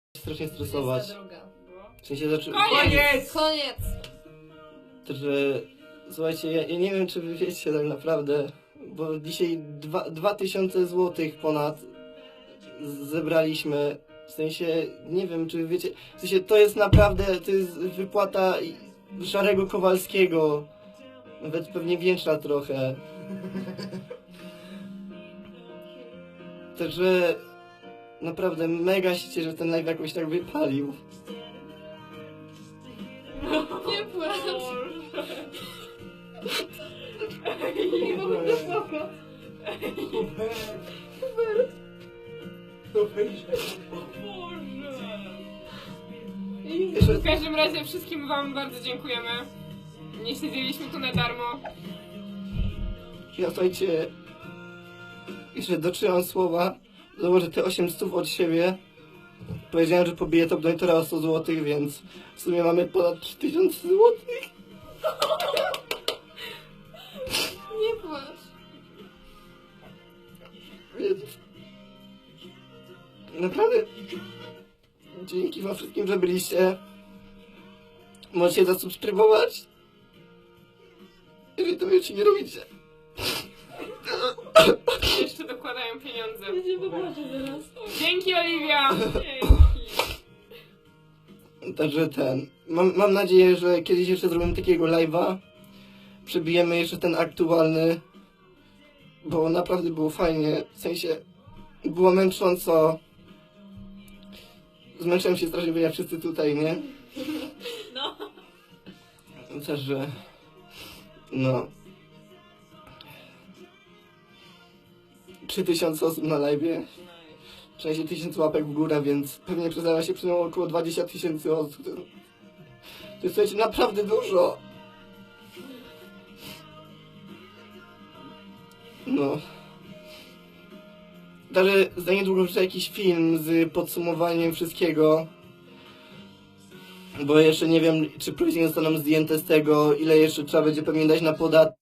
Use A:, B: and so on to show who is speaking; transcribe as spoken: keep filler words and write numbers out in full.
A: strasznie stresować. W sensie zaczę...
B: Koniec!
C: Koniec!
A: To, że... Słuchajcie, ja, ja nie wiem, czy wy wiecie tak naprawdę, bo dzisiaj dwa, dwa tysiące złotych ponad z- zebraliśmy. W sensie, nie wiem, czy wiecie... W sensie, to jest naprawdę, to jest wypłata i- Szarego Kowalskiego. Nawet pewnie większa trochę. Także... Naprawdę mega się cieszę, że ten live jakoś tak wypalił.
C: Nie płacz!
B: Nie mogę to spoko.
A: Jeszcze,
B: W każdym razie wszystkim wam bardzo dziękujemy. Nie siedzieliśmy tu na darmo.
A: ja słuchajcie... Jeszcze dotrzymam słowa. Założę te osiem stów od siebie. Powiedziałem, że pobiję top donatora o sto złotych, więc w sumie mamy ponad trzy tysiące złotych.
C: Nie płacz!
A: Więc... Naprawdę... Dzięki wam wszystkim, że byliście. Możecie zasubskrybować. Jeżeli to jeszcze nie robicie.
B: Jeszcze dokładają pieniądze.
C: Ja się wypłaczę zaraz.
B: Dzięki, Oliwia!
A: Także ten... Mam, mam nadzieję, że kiedyś jeszcze zrobimy takiego live'a. Przebijemy jeszcze ten aktualny. Bo naprawdę było fajnie. W sensie... Było męcząco. Zmęczyłem się strasznie, bo ja wszyscy tutaj, nie?
C: No.
A: Także... No... trzy tysiące osób na live'ie. Przynajmniej tysiąc łapek w górę, więc pewnie przyznała się przynajmniej około dwadzieścia tysięcy osób. To jest, słuchajcie, naprawdę dużo. No. Także za niedługo wrzucę jakiś film z podsumowaniem wszystkiego. Bo jeszcze nie wiem, czy później zostaną zdjęte z tego, ile jeszcze trzeba będzie pewnie dać na podatek.